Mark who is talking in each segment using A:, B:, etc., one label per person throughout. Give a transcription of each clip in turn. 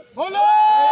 A: ਬੋਲੋ।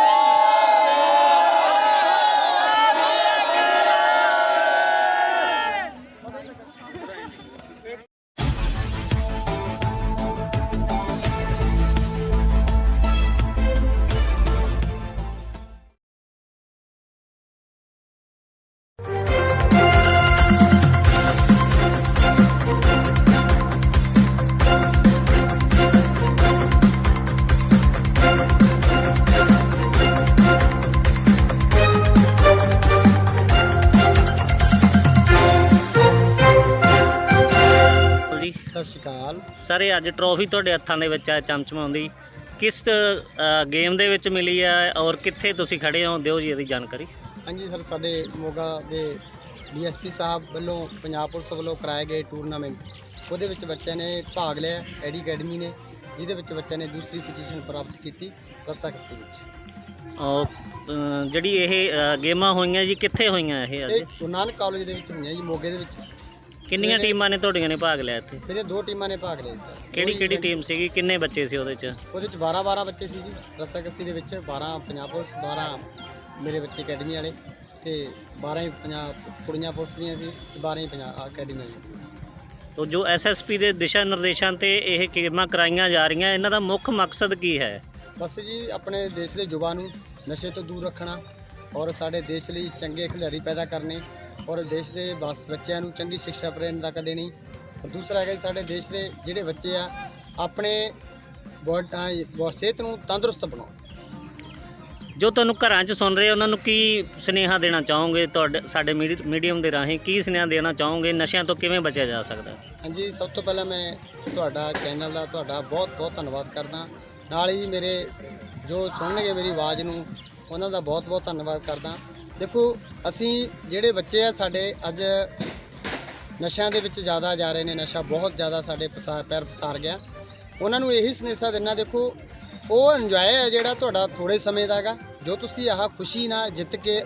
B: ਜੀ
A: ਸਤਿ ਸ਼੍ਰੀ ਅਕਾਲ
B: ਸਰ, ਇਹ ਅੱਜ ਟਰੋਫੀ ਤੁਹਾਡੇ ਹੱਥਾਂ ਦੇ ਵਿੱਚ ਆ ਚਮਚਮਾਉਂਦੀ, ਕਿਸ ਗੇਮ ਦੇ ਵਿੱਚ ਮਿਲੀ ਆ ਔਰ ਕਿੱਥੇ ਤੁਸੀਂ ਖੜੇ ਹੋ? ਦਿਓ ਜੀ ਇਹਦੀ ਜਾਣਕਾਰੀ।
A: ਹਾਂਜੀ ਸਰ, ਸਾਡੇ ਮੋਗਾ ਦੇ ਡੀਐਸਪੀ ਸਾਹਿਬ ਵੱਲੋਂ ਪੰਜਾਬ ਪੁਲਿਸ ਵੱਲੋਂ ਕਰਾਏ ਗਏ ਟੂਰਨਾਮੈਂਟ, ਉਹਦੇ ਵਿੱਚ ਬੱਚਿਆਂ ਨੇ ਭਾਗ ਲਿਆ। ਐਡੀ ਅਕੈਡਮੀ ਨੇ, ਜਿਹਦੇ ਵਿੱਚ ਬੱਚਿਆਂ ਨੇ ਦੂਸਰੀ ਪੋਜੀਸ਼ਨ ਪ੍ਰਾਪਤ ਕੀਤੀ ਰੱਸਾਕੱਸੀ ਵਿੱਚ।
B: ਔਰ ਜਿਹੜੀ ਇਹ ਗੇਮਾਂ ਹੋਈਆਂ ਜੀ, ਕਿੱਥੇ ਹੋਈਆਂ ਇਹ
A: ਇਹ
B: ਅੱਜ?
A: ਗੁਰੂ ਨਾਨਕ ਕਾਲਜ ਦੇ ਵਿੱਚ ਹੋਈਆਂ ਜੀ, ਮੋਗੇ ਦੇ ਵਿੱਚ।
B: ਕਿੰਨੀਆਂ ਟੀਮਾਂ ਨੇ ਤੁਹਾਡੀਆਂ ਨੇ ਭਾਗ ਲਿਆ ਇੱਥੇ?
A: ਮੇਰੇ 2 ਟੀਮਾਂ ਨੇ ਭਾਗ ਲਿਆ ਸਰ।
B: ਕਿਹੜੀ ਟੀਮ ਸੀਗੀ? ਕਿੰਨੇ ਬੱਚੇ ਸੀ ਉਹਦੇ 'ਚ?
A: ਉਹਦੇ ਚ 12 ਬੱਚੇ ਸੀ ਜੀ ਰੱਸਾਕੱਸੀ ਦੇ ਵਿੱਚ। 12 ਪੰਜਾਬ ਪੁਲਿਸ, 12 ਮੇਰੇ ਬੱਚੇ ਅਕੈਡਮੀ ਵਾਲੇ, ਤੇ 12 ਹੀ ਪੰਜਾਬ ਕੁੜੀਆਂ ਪੁਲਿਸ ਦੀਆਂ ਸੀ, ਤੇ 12 ਹੀ ਪੰਜਾਬ ਅਕੈਡਮੀ ਵਾਲੀ।
B: ਤੋ ਜੋ ਐਸਐਸਪੀ ਦੇ ਦਿਸ਼ਾ ਨਿਰਦੇਸ਼ਾਂ ਤੇ ਇਹ ਗੇਮਾਂ ਕਰਾਈਆਂ ਜਾ ਰਹੀਆਂ, ਇਹਨਾਂ ਦਾ ਮੁੱਖ ਮਕਸਦ ਕੀ ਹੈ?
A: ਬਸ ਜੀ, ਆਪਣੇ ਦੇਸ਼ ਦੇ ਯੁਵਾ ਨੂੰ ਨਸ਼ੇ ਤੋਂ ਦੂਰ ਰੱਖਣਾ ਔਰ ਸਾਡੇ ਦੇਸ਼ ਲਈ ਚੰਗੇ ਖਿਡਾਰੀ ਪੈਦਾ ਕਰਨੇ ਔਰ ਦੇਸ਼ ਦੇ ਬੱਚਿਆਂ ਨੂੰ ਚੰਗੀ ਸਿੱਖਿਆ ਪ੍ਰਦਾਨ ਦੇਣੀ। ਔਰ ਦੂਸਰਾ ਹੈਗਾ ਜੀ, ਸਾਡੇ ਦੇਸ਼ ਦੇ ਜਿਹੜੇ ਬੱਚੇ ਆ ਆਪਣੇ ਸਿਹਤ ਨੂੰ ਤੰਦਰੁਸਤ ਬਣਾਓ।
B: ਜੋ ਤੁਹਾਨੂੰ ਘਰਾਂ 'ਚ ਸੁਣ ਰਹੇ ਉਹਨਾਂ ਨੂੰ ਕੀ ਸੁਨੇਹਾ ਦੇਣਾ ਚਾਹੋਗੇ? ਤੁਹਾਡੇ ਸਾਡੇ ਮੀਡੀਅਮ ਦੇ ਰਾਹੀਂ ਕੀ ਸੁਨੇਹਾ ਦੇਣਾ ਚਾਹੋਗੇ? ਨਸ਼ਿਆਂ ਤੋਂ ਕਿਵੇਂ ਬਚਿਆ ਜਾ ਸਕਦਾ?
A: ਹਾਂਜੀ, ਸਭ ਤੋਂ ਪਹਿਲਾਂ ਮੈਂ ਤੁਹਾਡਾ ਚੈਨਲ ਦਾ ਤੁਹਾਡਾ ਬਹੁਤ ਬਹੁਤ ਧੰਨਵਾਦ ਕਰਦਾ। ਨਾਲ ਹੀ ਮੇਰੇ ਜੋ ਸੁਣਨਗੇ ਮੇਰੀ ਆਵਾਜ਼ ਨੂੰ, ਉਹਨਾਂ ਦਾ ਬਹੁਤ ਬਹੁਤ ਧੰਨਵਾਦ ਕਰਦਾ। ਦੇਖੋ, ਅਸੀਂ ਜਿਹੜੇ ਬੱਚੇ ਆ ਸਾਡੇ ਅੱਜ ਨਸ਼ਿਆਂ ਦੇ ਵਿੱਚ ਜ਼ਿਆਦਾ ਜਾ ਰਹੇ ਨੇ, ਨਸ਼ਾ ਬਹੁਤ ਜ਼ਿਆਦਾ ਸਾਡੇ ਪੈਰ ਪਸਾਰ ਗਿਆ। ਉਹਨਾਂ ਨੂੰ ਇਹੀ ਸੰਦੇਸ਼ਾ ਦੇਣਾ, ਦੇਖੋ ਉਹ ਇੰਜੋਏ ਹੈ ਜਿਹੜਾ ਤੁਹਾਡਾ ਥੋੜ੍ਹੇ ਸਮੇਂ ਦਾ ਹੈਗਾ, ਜੋ ਤੁਸੀਂ ਆਹ ਖੁਸ਼ੀ ਨਾਲ ਜਿੱਤ ਕੇ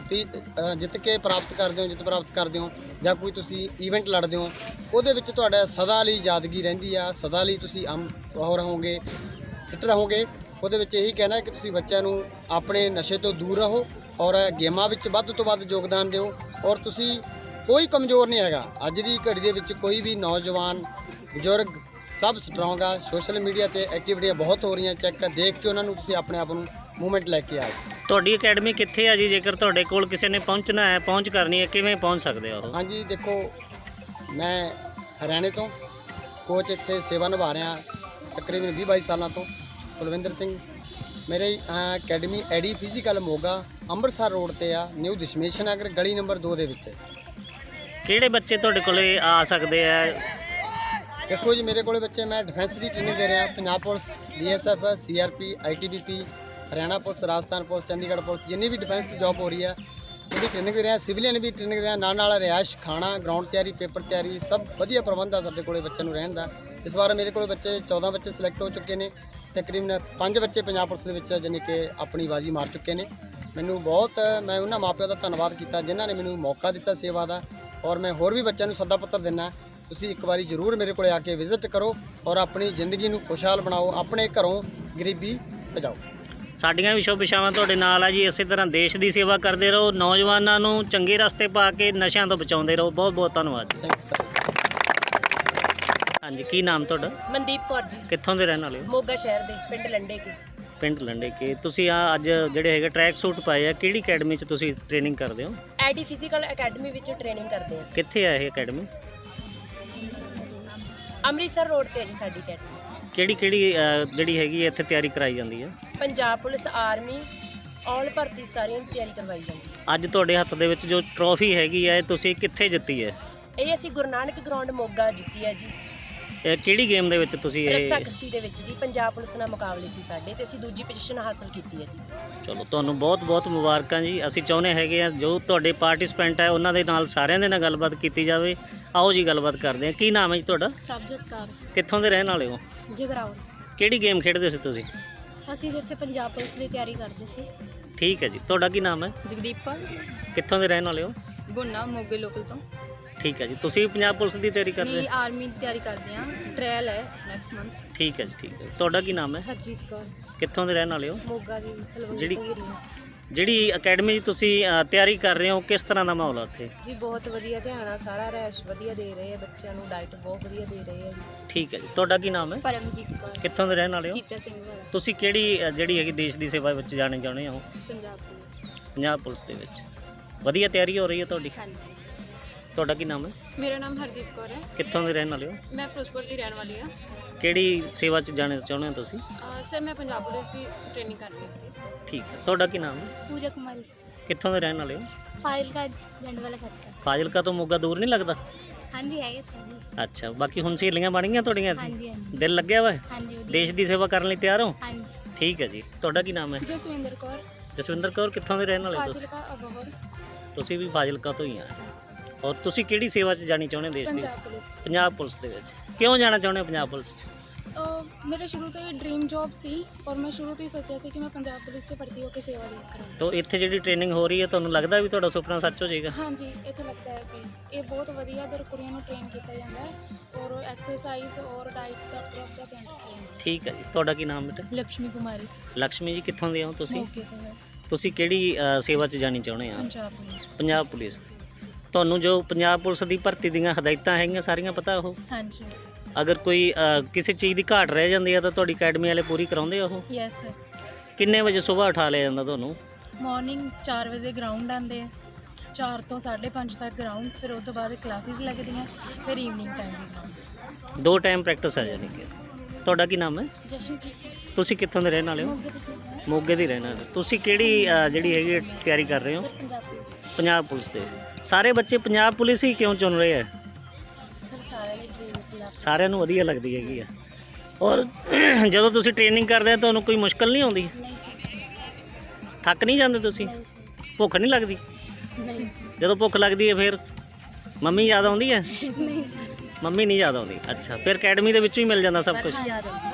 A: ਪ੍ਰਾਪਤ ਕਰਦੇ ਹੋ ਜਾਂ ਕੋਈ ਤੁਸੀਂ ਈਵੈਂਟ ਲੜਦੇ ਹੋ, ਉਹਦੇ ਵਿੱਚ ਤੁਹਾਡਾ ਸਦਾ ਲਈ ਯਾਦਗੀ ਰਹਿੰਦੀ ਆ, ਸਦਾ ਲਈ ਤੁਸੀਂ ਉਹ ਰਹੋਗੇ, ਫਿੱਟ ਰਹੋਗੇ। ਉਹਦੇ ਵਿੱਚ ਇਹੀ ਕਹਿਣਾ ਕਿ ਤੁਸੀਂ ਬੱਚਿਆਂ ਨੂੰ ਆਪਣੇ ਨਸ਼ੇ ਤੋਂ ਦੂਰ ਰਹੋ ਔਰ ਗੇਮਾਂ ਵਿੱਚ ਵੱਧ ਤੋਂ ਵੱਧ ਯੋਗਦਾਨ ਦਿਓ। ਔਰ ਤੁਸੀਂ ਕੋਈ ਕਮਜ਼ੋਰ ਨਹੀਂ ਹੈਗਾ। ਅੱਜ ਦੀ ਘੜੀ ਦੇ ਵਿੱਚ ਕੋਈ ਵੀ ਨੌਜਵਾਨ, ਬਜ਼ੁਰਗ ਸਭ ਸਟਰੋਂਗ ਆ। ਸੋਸ਼ਲ ਮੀਡੀਆ ਤੇ ਐਕਟੀਵਿਟੀਆਂ ਬਹੁਤ ਹੋ ਰਹੀਆਂ, ਚੈੱਕ ਦੇਖ ਕੇ ਉਹਨਾਂ ਨੂੰ ਤੁਸੀਂ ਆਪਣੇ ਆਪ ਨੂੰ ਮੂਵਮੈਂਟ ਲੈ ਕੇ ਆਓ।
B: ਤੁਹਾਡੀ ਅਕੈਡਮੀ ਕਿੱਥੇ ਆ ਜੀ? ਜੇਕਰ ਤੁਹਾਡੇ ਕੋਲ ਕਿਸੇ ਨੇ ਪਹੁੰਚਣਾ ਹੈ, ਪਹੁੰਚ ਕਰਨੀ ਹੈ, ਕਿਵੇਂ ਪਹੁੰਚ ਸਕਦੇ ਆ ਉਹ? ਹਾਂਜੀ,
A: ਦੇਖੋ ਮੈਂ ਹਰਿਆਣੇ ਤੋਂ ਕੋਚ ਇੱਥੇ ਸੇਵਾ ਨਿਭਾ ਰਿਹਾ ਤਕਰੀਬਨ 20-22 ਸਾਲਾਂ ਤੋਂ। ਕੁਲਵਿੰਦਰ ਸਿੰਘ ਮੇਰੇ ਅਕੈਡਮੀ ਐਡੀ ਫਿਜ਼ੀਕਲ ਮੋਗਾ ਅੰਮ੍ਰਿਤਸਰ ਰੋਡ ਤੇ ਆ, ਨਿਊ ਦਸ਼ਮੇਸ਼ ਨਗਰ ਗਲੀ ਨੰਬਰ 2 ਦੇ ਵਿੱਚ।
B: ਕਿਹੜੇ ਬੱਚੇ ਤੁਹਾਡੇ ਕੋਲੇ ਆ ਸਕਦੇ ਆ?
A: ਦੇਖੋ ਜੀ, ਮੇਰੇ ਕੋਲੇ ਬੱਚੇ, ਮੈਂ ਡਿਫੈਂਸ ਦੀ ਟ੍ਰੇਨਿੰਗ ਦੇ ਰਿਹਾ। Punjab police, BSF, CRP, ITBP, Haryana police, Rajasthan police, Chandigarh police, ਜਿੰਨੀ ਵੀ ਡਿਫੈਂਸ ਜੌਬ ਹੋ ਰਹੀ ਆ ਉਹਦੀ ਟ੍ਰੇਨਿੰਗ ਦੇ ਰਿਹਾ। ਸਿਵਲੀਅਨ ਵੀ ਟ੍ਰੇਨਿੰਗ ਦੇ ਰਿਹਾ। ਨਾਲ ਰਿਹਾਇਸ਼, ਖਾਣਾ, ਗਰਾਊਂਡ ਤਿਆਰੀ, ਪੇਪਰ ਤਿਆਰੀ, ਸਭ ਵਧੀਆ ਪ੍ਰਬੰਧ ਆ ਸਾਡੇ ਕੋਲੇ ਬੱਚਿਆਂ ਨੂੰ ਰਹਿਣ ਦਾ। ਇਸ ਵਾਰ ਮੇਰੇ ਕੋਲ ਬੱਚੇ 14 ਬੱਚੇ ਸਿਲੈਕਟ ਹੋ ਚੁੱਕੇ ਨੇ। ਤਕਰੀਬਨ 5 ਬੱਚੇ ਪੰਜਾਬ ਪੁਲਿਸ ਦੇ ਵਿੱਚ ਜਾਣੀ ਕਿ ਆਪਣੀ ਬਾਜੀ ਮਾਰ ਚੁੱਕੇ ਨੇ। ਮੈਨੂੰ ਬਹੁਤ, ਮੈਂ ਉਹਨਾਂ ਮਾਪਿਆਂ ਦਾ ਧੰਨਵਾਦ ਕੀਤਾ ਜਿਨ੍ਹਾਂ ਨੇ ਮੈਨੂੰ ਮੌਕਾ ਦਿੱਤਾ ਸੇਵਾ ਦਾ। ਔਰ ਮੈਂ ਹੋਰ ਵੀ ਬੱਚਿਆਂ ਨੂੰ ਸੱਦਾ ਪੱਤਰ ਦਿੰਦਾ, ਤੁਸੀਂ ਇੱਕ ਵਾਰੀ ਜ਼ਰੂਰ ਮੇਰੇ ਕੋਲ ਆ ਕੇ ਵਿਜ਼ਿਟ ਕਰੋ ਔਰ ਆਪਣੀ ਜ਼ਿੰਦਗੀ ਨੂੰ ਖੁਸ਼ਹਾਲ ਬਣਾਓ, ਆਪਣੇ ਘਰੋਂ ਗਰੀਬੀ ਭਜਾਓ।
B: ਸਾਡੀਆਂ ਵੀ ਸ਼ੁਭ ਇਛਾਵਾਂ ਤੁਹਾਡੇ ਨਾਲ ਆ ਜੀ। ਇਸੇ ਤਰ੍ਹਾਂ ਦੇਸ਼ ਦੀ ਸੇਵਾ ਕਰਦੇ ਰਹੋ, ਨੌਜਵਾਨਾਂ ਨੂੰ ਚੰਗੇ ਰਸਤੇ ਪਾ ਕੇ ਨਸ਼ਿਆਂ ਤੋਂ ਬਚਾਉਂਦੇ ਰਹੋ। ਬਹੁਤ ਬਹੁਤ ਧੰਨਵਾਦ।
A: Thank you sir.
B: ਹਾਂਜੀ, ਕੀ ਨਾਮ ਤੁਹਾਡਾ?
C: ਮਨਦੀਪ ਕੌਰ ਜੀ,
B: ਕਿੱਥੋਂ ਦੇ ਰਹਿਣ ਵਾਲੇ ਹੋ?
C: ਮੋਗਾ ਸ਼ਹਿਰ ਦੇ, ਪਿੰਡ ਲੰਡੇ ਕੇ।
B: ਪਿੰਡ ਲੰਡੇ ਕੇ। ਤੁਸੀਂ ਅੱਜ ਜਿਹੜੇ ਹੈਗੇ ਟਰੈਕ ਸੂਟ ਪਾਏ ਆ, ਕਿਹੜੀ ਅਕੈਡਮੀ 'ਚ ਤੁਸੀਂ ਟ੍ਰੇਨਿੰਗ ਕਰਦੇ ਹੋ?
C: ਐਡੀ ਫਿਜ਼ੀਕਲ ਅਕੈਡਮੀ ਵਿੱਚ ਟ੍ਰੇਨਿੰਗ ਕਰਦੇ ਹਾਂ ਅਸੀਂ।
B: ਕਿੱਥੇ ਆ ਇਹ ਅਕੈਡਮੀ?
C: ਅੰਮ੍ਰਿਤਸਰ ਰੋਡ ਤੇ ਹੈ ਜੀ ਸਾਡੀ ਅਕੈਡਮੀ।
B: ਕਿਹੜੀ ਜਿਹੜੀ ਹੈਗੀ ਇੱਥੇ ਤਿਆਰੀ ਕਰਾਈ ਜਾਂਦੀ ਹੈ?
C: ਪੰਜਾਬ ਪੁਲਿਸ, ਆਰਮੀ, ਆਲ ਭਰਤੀ ਸਾਰੀਆਂ ਦੀ ਤਿਆਰੀ ਕਰਵਾਈ ਜਾਂਦੀ ਹੈ।
B: ਅੱਜ ਤੁਹਾਡੇ ਹੱਥ ਦੇ ਵਿੱਚ ਜੋ ਟਰੋਫੀ ਹੈਗੀ ਹੈ, ਤੁਸੀਂ ਕਿੱਥੇ ਜਿੱਤੀ ਹੈ?
C: ਇਹ ਅਸੀਂ ਗੁਰੂ ਨਾਨਕ ਗਰਾਊਂਡ ਮੋਗਾ ਜਿੱਤੀ ਹੈ ਜੀ।
B: ਇਹ ਕਿਹੜੀ ਗੇਮ ਦੇ ਵਿੱਚ ਤੁਸੀਂ ਇਹ?
C: ਰੱਸਾਕੱਸੀ ਦੇ ਵਿੱਚ ਜੀ। ਪੰਜਾਬ ਪੁਲਿਸ ਨਾਲ ਮੁਕਾਬਲੇ ਸੀ ਸਾਡੇ ਤੇ ਅਸੀਂ ਦੂਜੀ ਪੋਜੀਸ਼ਨ ਹਾਸਲ ਕੀਤੀ ਹੈ ਜੀ।
B: ਚਲੋ, ਤੁਹਾਨੂੰ ਬਹੁਤ ਬਹੁਤ ਮੁਬਾਰਕਾਂ ਜੀ। ਅਸੀਂ ਚਾਹੁੰਦੇ ਹੈਗੇ ਆ ਜੋ ਤੁਹਾਡੇ ਪਾਰਟਿਸਪੈਂਟ ਹੈ ਉਹਨਾਂ ਦੇ ਨਾਲ ਸਾਰਿਆਂ ਦੇ ਨਾਲ ਗੱਲਬਾਤ ਕੀਤੀ ਜਾਵੇ। ਆਓ ਜੀ ਗੱਲਬਾਤ ਕਰਦੇ ਹਾਂ। ਕੀ ਨਾਮ ਹੈ ਜੀ ਤੁਹਾਡਾ?
D: ਪ੍ਰਭਜੋਤ ਕੌਰ,
B: ਕਿੱਥੋਂ ਦੇ ਰਹਿਣ ਵਾਲੇ ਹੋ?
D: ਜਗਰਾਉਂ।
B: ਕਿਹੜੀ ਗੇਮ ਖੇਡਦੇ ਸੀ ਤੁਸੀਂ?
D: ਅਸੀਂ ਜਿੱਥੇ ਪੰਜਾਬ ਪੁਲਿਸ ਦੀ ਤਿਆਰੀ ਕਰਦੇ ਸੀ।
B: ਠੀਕ ਹੈ ਜੀ। ਤੁਹਾਡਾ ਕੀ ਨਾਮ ਹੈ?
D: ਜਗਦੀਪ ਕੌਰ,
B: ਕਿੱਥੋਂ ਦੇ ਰਹਿਣ ਵਾਲੇ ਹੋ?
D: ਗੁੰਨਾ ਮੋਗੇ ਲੋਕਲ ਤੋਂ।
B: ਠੀਕ ਹੈ ਜੀ। ਤੁਸੀਂ ਵੀ ਪੰਜਾਬ ਪੁਲਿਸ ਦੀ ਤਿਆਰੀ ਕਰਦੇ
D: ਨਹੀਂ, ਆਰਮੀ ਦੀ ਤਿਆਰੀ ਕਰਦੇ ਹਾਂ। ਟ੍ਰਾਇਲ ਹੈ ਨੈਕਸਟ ਮੰਥ।
B: ਠੀਕ ਹੈ ਜੀ, ਠੀਕ ਹੈ। ਤੁਹਾਡਾ ਕੀ ਨਾਮ ਹੈ?
C: ਹਰਜੀਤ ਕੌਰ,
B: ਕਿੱਥੋਂ ਦੇ ਰਹਿਣ ਵਾਲੇ ਹੋ?
C: ਮੋਗਾ ਦੀ
B: ਜਿਹੜੀ ਜਿਹੜੀ ਅਕੈਡਮੀ 'ਚ ਤੁਸੀਂ ਤਿਆਰੀ ਕਰ ਰਹੇ ਹੋ, ਕਿਸ ਤਰ੍ਹਾਂ ਦਾ ਮਾਹੌਲ ਆ ਉੱਥੇ?
C: ਜੀ ਬਹੁਤ ਵਧੀਆ ਧਿਆਨ ਆ, ਸਾਰਾ ਰੈਸ਼ ਵਧੀਆ ਦੇ ਰਹੇ ਆ ਬੱਚਿਆਂ ਨੂੰ, ਡਾਈਟ ਬਹੁਤ ਵਧੀਆ ਦੇ ਰਹੇ ਆ ਜੀ।
B: ਠੀਕ ਹੈ ਜੀ। ਤੁਹਾਡਾ ਕੀ ਨਾਮ ਹੈ?
D: ਪਰਮਜੀਤ ਕੌਰ,
B: ਕਿੱਥੋਂ ਦੇ ਰਹਿਣ ਵਾਲੇ ਹੋ?
D: ਜੀਤਾ ਸਿੰਘ ਵਾਲਾ,
B: ਤੁਸੀਂ ਕਿਹੜੀ ਜਿਹੜੀ ਹੈਗੀ ਦੇਸ਼ ਦੀ ਸੇਵਾ ਵਿੱਚ ਜਾਣੇ ਚਾਹੁੰਦੇ ਹੋ?
D: ਪੰਜਾਬ ਪੁਲਿਸ।
B: ਪੰਜਾਬ ਪੁਲਿਸ ਦੇ ਵਿੱਚ ਵਧੀਆ ਤਿਆਰੀ ਹੋ ਰਹੀ ਹੈ ਤੁਹਾਡੀ?
D: ਹਾਂਜੀ।
B: ਤੁਹਾਡਾ ਕੀ ਨਾਮ ਹੈ?
C: ਮੇਰਾ ਨਾਮ ਹਰਦੀਪ ਕੌਰ ਹੈ,
B: ਕਿੱਥੋਂ ਦੇ ਰਹਿਣ ਵਾਲੇ ਹੋ?
C: ਮੈਂ ਫਿਰੋਜ਼ਪੁਰ ਦੀ ਰਹਿਣ ਵਾਲੀ ਹਾਂ।
B: ਕਿਹੜੀ ਸੇਵਾ 'ਚ ਜਾਣਾ ਚਾਹੁੰਦੇ ਹੋ ਤੁਸੀਂ?
C: ਸਰ ਮੈਂ ਪੰਜਾਬ ਪੁਲਿਸ ਦੀ ਟ੍ਰੇਨਿੰਗ ਕਰ ਰਹੀ ਹਾਂ।
B: ਠੀਕ ਹੈ। ਤੁਹਾਡਾ ਕੀ ਨਾਮ ਹੈ?
D: ਪੂਜਾ ਕੁਮਾਰੀ,
B: ਕਿੱਥੋਂ ਦੇ ਰਹਿਣ ਵਾਲੇ ਹੋ?
D: ਫਾਜ਼ਿਲਕਾ ਜੰਡ ਵਾਲਾ ਖੱਤਰ।
B: ਫਾਜ਼ਿਲਕਾ ਤੋਂ ਮੋਗਾ ਦੂਰ ਨਹੀਂ ਲੱਗਦਾ?
D: ਹਾਂਜੀ ਹੈਗੇ ਸਰ ਜੀ।
B: ਅੱਛਾ, ਬਾਕੀ ਹੁਣ ਸਹੇਲੀਆਂ ਬਣ ਗਈਆਂ ਤੁਹਾਡੀਆਂ ਇੱਥੇ?
D: ਹਾਂਜੀ ਹਾਂਜੀ
B: ਦਿਲ ਲੱਗਿਆ ਵਾ?
D: ਹਾਂਜੀ ਵਧੀਆ।
B: ਦੇਸ਼ ਦੀ ਸੇਵਾ ਕਰਨ ਲਈ ਤਿਆਰ ਹੋ?
D: ਹਾਂਜੀ।
B: ਠੀਕ ਹੈ ਜੀ। ਤੁਹਾਡਾ ਕੀ ਨਾਮ ਹੈ?
D: ਜਸਵਿੰਦਰ ਕੌਰ,
B: ਜਸਵਿੰਦਰ ਕੌਰ, ਕਿੱਥੋਂ ਦੇ ਰਹਿਣ ਵਾਲੇ ਹੋ ਤੁਸੀਂ?
D: ਫਾਜ਼ਿਲਕਾ ਅਬੋਹਰ।
B: ਤੁਸੀਂ ਵੀ ਫਾਜ਼ਿਲਕਾ ਤੋਂ ਹੀ ਆ। ਔਰ ਤੁਸੀਂ ਕਿਹੜੀ ਸੇਵਾ 'ਚ ਜਾਣੀ ਚਾਹੁੰਦੇ ਹੋ ਦੇਸ਼ ਦੀ?
D: ਪੰਜਾਬ ਪੁਲਿਸ।
B: ਪੰਜਾਬ ਪੁਲਿਸ ਦੇ ਵਿੱਚ ਕਿਉਂ ਜਾਣਾ ਚਾਹੁੰਦੇ ਹੋ ਪੰਜਾਬ ਪੁਲਿਸ 'ਚ?
D: ਮੇਰਾ ਸ਼ੁਰੂ ਤੋਂ ਹੀ ਡ੍ਰੀਮ ਜੌਬ ਸੀ ਔਰ ਮੈਂ ਸ਼ੁਰੂ ਤੋਂ ਹੀ ਸੋਚਿਆ ਸੀ ਕਿ ਮੈਂ ਪੰਜਾਬ ਪੁਲਿਸ 'ਚ ਭਰਤੀ ਹੋ ਕੇ ਸੇਵਾ ਕਰਾਂ।
B: ਤੋ ਇੱਥੇ ਜਿਹੜੀ ਟ੍ਰੇਨਿੰਗ ਹੋ ਰਹੀ ਹੈ, ਤੁਹਾਨੂੰ ਲੱਗਦਾ ਵੀ ਤੁਹਾਡਾ ਸੁਪਨਾ ਸੱਚ ਹੋ ਜਾਏਗਾ?
D: ਹਾਂਜੀ, ਇੱਥੇ ਲੱਗਦਾ ਹੈ ਕਿ ਇਹ ਬਹੁਤ ਵਧੀਆ ਦਰ ਕੁੜੀਆਂ ਨੂੰ ਟ੍ਰੇਨ ਕੀਤਾ ਜਾਂਦਾ ਹੈ ਔਰ ਐਕਸਰਸਾਈਜ਼ ਔਰ ਡਾਈਟ ਦਾ ਪ੍ਰੋਪਰ ਧਿਆਨ ਰੱਖਿਆ ਜਾਂਦਾ ਹੈ।
B: ਠੀਕ ਹੈ ਜੀ। ਤੁਹਾਡਾ ਕੀ ਨਾਮ ਬੇਟਾ?
C: ਲక్ష్ਮੀ ਕੁਮਾਰੀ,
B: ਲక్ష్ਮੀ ਜੀ, ਕਿੱਥੋਂ ਦੇ ਹੋ ਤੁਸੀਂ?
C: ਮੋਗੇ ਤੋਂ,
B: ਤੁਸੀਂ ਕਿਹੜੀ ਸੇਵਾ 'ਚ ਜਾਣੀ ਚਾਹੁੰਦੇ ਆ?
C: ਪੰਜਾਬ ਪੁਲਿਸ।
B: ਪੰਜਾਬ ਪੁਲਿਸ। ਤੁਹਾਨੂੰ ਜੋ ਪੰਜਾਬ ਪੁਲਿਸ ਦੀ ਭਰਤੀ ਦੀਆਂ ਹਦਾਇਤਾਂ ਹੈਗੀਆਂ ਸਾਰੀਆਂ ਪਤਾ ਉਹ?
C: ਹਾਂਜੀ।
B: ਅਗਰ ਕੋਈ ਕਿਸੇ ਚੀਜ਼ ਦੀ ਘਾਟ ਰਹਿ ਜਾਂਦੀ ਆ ਤਾਂ ਤੁਹਾਡੀ ਅਕੈਡਮੀ ਵਾਲੇ ਪੂਰੀ ਕਰਾਉਂਦੇ ਆ ਉਹ?
C: Yes sir.
B: ਕਿੰਨੇ ਵਜੇ ਸਵੇਰ ਉਠਾ ਲਿਆ ਜਾਂਦਾ ਤੁਹਾਨੂੰ?
C: ਮਾਰਨਿੰਗ 4 ਵਜੇ ਗਰਾਊਂਡ ਆਉਂਦੇ ਆ, 4 ਤੋਂ 5:30 ਤੱਕ ਗਰਾਊਂਡ, ਫਿਰ ਉਸ ਤੋਂ ਬਾਅਦ ਕਲਾਸਿਸ ਲੱਗਦੀਆਂ, ਫਿਰ ਈਵਨਿੰਗ ਟਾਈਮ ਵੀ ਗਰਾਊਂਡ।
B: 2 ਟਾਈਮ ਪ੍ਰੈਕਟਿਸ ਆ ਜਾਣੀ ਕਿ। ਤੁਹਾਡਾ ਕੀ ਨਾਮ ਹੈ?
D: ਜਸ਼ਨਪ੍ਰੀਤ
B: ਤੁਸੀਂ ਕਿੱਥੋਂ ਦੇ ਰਹਿਣ ਵਾਲੇ ਹੋ?
D: ਮੋਗੇ ਤੋਂ ਸੀ।
B: ਮੋਗੇ ਦੀ ਰਹਿਣ ਵਾਲੇ। ਤੁਸੀਂ ਕਿਹੜੀ ਜਿਹੜੀ ਹੈਗੀ ਤਿਆਰੀ ਕਰ ਰਹੇ ਹੋ?
D: Sir Punjab police.
B: Punjab police ਦੇ। ਸਾਰੇ ਬੱਚੇ ਪੰਜਾਬ ਪੁਲਿਸ ਹੀ ਕਿਉਂ ਚੁਣ ਰਹੇ ਆ?
D: ਸਰ ਸਾਰਿਆਂ ਦੇ ਡ੍ਰੀਮ ਪੰਜਾਬ।
B: ਸਾਰਿਆਂ ਨੂੰ ਵਧੀਆ ਲੱਗਦੀ ਹੈਗੀ ਆ। ਔਰ ਜਦੋਂ ਤੁਸੀਂ ਟ੍ਰੇਨਿੰਗ ਕਰਦੇ ਆ ਤੁਹਾਨੂੰ ਕੋਈ ਮੁਸ਼ਕਲ ਨਹੀਂ ਆਉਂਦੀ?
D: ਨਹੀਂ ਸਰ।
B: ਥੱਕ ਨਹੀਂ ਜਾਂਦੇ ਤੁਸੀਂ?
D: ਨਹੀਂ ਸਰ।
B: ਭੁੱਖ ਨਹੀਂ ਲੱਗਦੀ?
D: ਨਹੀਂ
B: ਜਦੋਂ ਭੁੱਖ ਲੱਗਦੀ ਹੈ ਫਿਰ ਮੰਮੀ ਯਾਦ ਆਉਂਦੀ ਹੈ?
D: ਨਹੀਂ ਸਰ।
B: ਮੰਮੀ ਨਹੀਂ ਯਾਦ ਆਉਂਦੀ? ਅੱਛਾ, ਫਿਰ ਅਕੈਡਮੀ ਦੇ ਵਿੱਚੋਂ ਹੀ ਮਿਲ ਜਾਂਦਾ ਸਭ ਕੁਝ?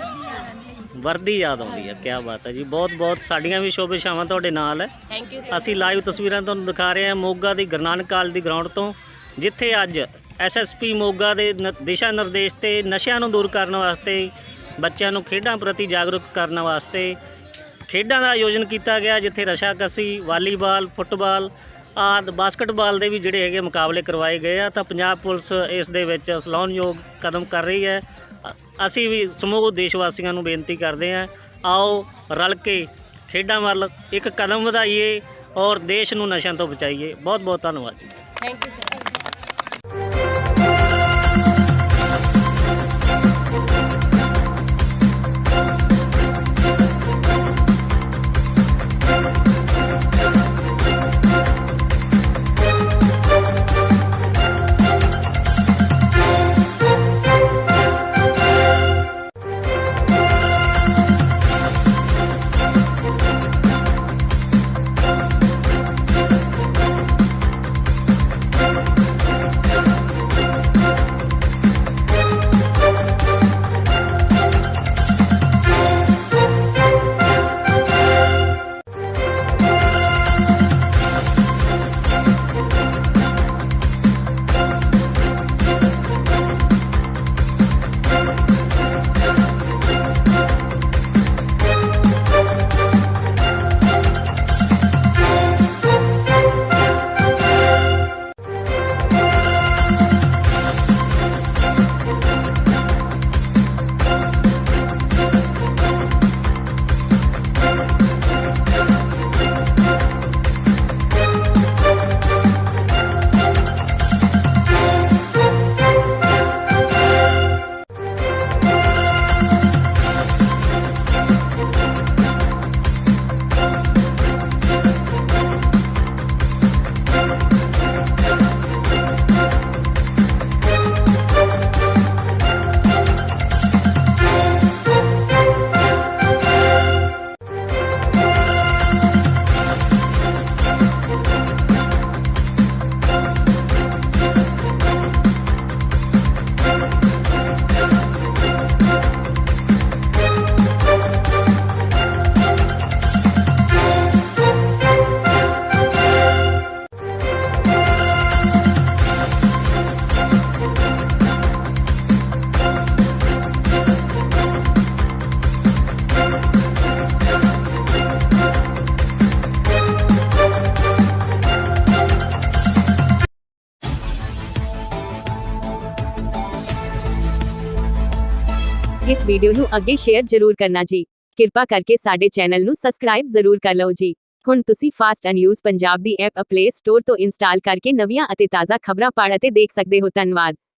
B: ਵਰਦੀ ਯਾਦ ਆਉਂਦੀ ਹੈ। ਕੀ ਬਾਤ ਹੈ ਜੀ। ਬਹੁਤ ਬਹੁਤ ਸਾਡੀਆਂ ਵੀ ਸ਼ੁਭੇਛਾਵਾਂ ਤੁਹਾਡੇ ਨਾਲ ਹੈ।
C: Thank you sir.
B: ਅਸੀਂ ਲਾਈਵ ਤਸਵੀਰਾਂ ਤੁਹਾਨੂੰ ਦਿਖਾ ਰਹੇ ਹਾਂ ਮੋਗਾ ਦੀ ਗੁਰੂ ਨਾਨਕ ਕਾਲਜ ਦੀ ਗਰਾਊਂਡ ਤੋਂ, ਜਿੱਥੇ ਅੱਜ ਐਸਐਸਪੀ ਮੋਗਾ ਦੇ ਦਿਸ਼ਾ ਨਿਰਦੇਸ਼ ਤੇ ਨਸ਼ਿਆਂ ਨੂੰ ਦੂਰ ਕਰਨ ਵਾਸਤੇ, ਬੱਚਿਆਂ ਨੂੰ ਖੇਡਾਂ ਪ੍ਰਤੀ ਜਾਗਰੂਕ ਕਰਨ ਵਾਸਤੇ ਖੇਡਾਂ ਦਾ ਆਯੋਜਨ ਕੀਤਾ ਗਿਆ, ਜਿੱਥੇ ਰਸ਼ਾਕਸੀ, ਵਾਲੀਬਾਲ, ਫੁੱਟਬਾਲ ਆਦਿ ਬਾਸਕਟਬਾਲ ਦੇ ਵੀ ਜਿਹੜੇ ਹੈਗੇ ਮੁਕਾਬਲੇ ਕਰਵਾਏ ਗਏ ਆ। ਤਾਂ ਪੰਜਾਬ ਪੁਲਿਸ ਇਸ ਦੇ ਵਿੱਚ ਸਲਾਹੁਣਯੋਗ ਕਦਮ ਕਰ ਰਹੀ ਹੈ। ਅਸੀਂ ਵੀ ਸਮੂਹ ਦੇਸ਼ ਵਾਸੀਆਂ ਨੂੰ ਬੇਨਤੀ ਕਰਦੇ ਹਾਂ, ਆਓ ਰਲ ਕੇ ਖੇਡਾਂ ਵੱਲ ਇੱਕ ਕਦਮ ਵਧਾਈਏ ਔਰ ਦੇਸ਼ ਨੂੰ ਨਸ਼ਿਆਂ ਤੋਂ ਬਚਾਈਏ। ਬਹੁਤ ਬਹੁਤ ਧੰਨਵਾਦ ਜੀ।
C: Thank you sir.
E: ਇਸ ਵੀਡੀਓ ਨੂੰ ਅੱਗੇ ਸ਼ੇਅਰ ਜ਼ਰੂਰ ਕਰਨਾ ਜੀ। ਕਿਰਪਾ ਕਰਕੇ ਸਾਡੇ ਚੈਨਲ ਨੂੰ ਸਬਸਕ੍ਰਾਈਬ ਜ਼ਰੂਰ ਕਰ ਲਓ ਜੀ। ਹੁਣ ਤੁਸੀਂ ਫਾਸਟ ਨਿਊਜ਼ ਪੰਜਾਬ ਦੀ ਐਪ ਪਲੇ ਸਟੋਰ ਤੋਂ ਇੰਸਟਾਲ ਕਰਕੇ ਨਵੀਆਂ ਅਤੇ ਤਾਜ਼ਾ ਖਬਰਾਂ ਪੜ੍ਹ ਅਤੇ ਦੇਖ ਸਕਦੇ ਹੋ। ਧੰਨਵਾਦ।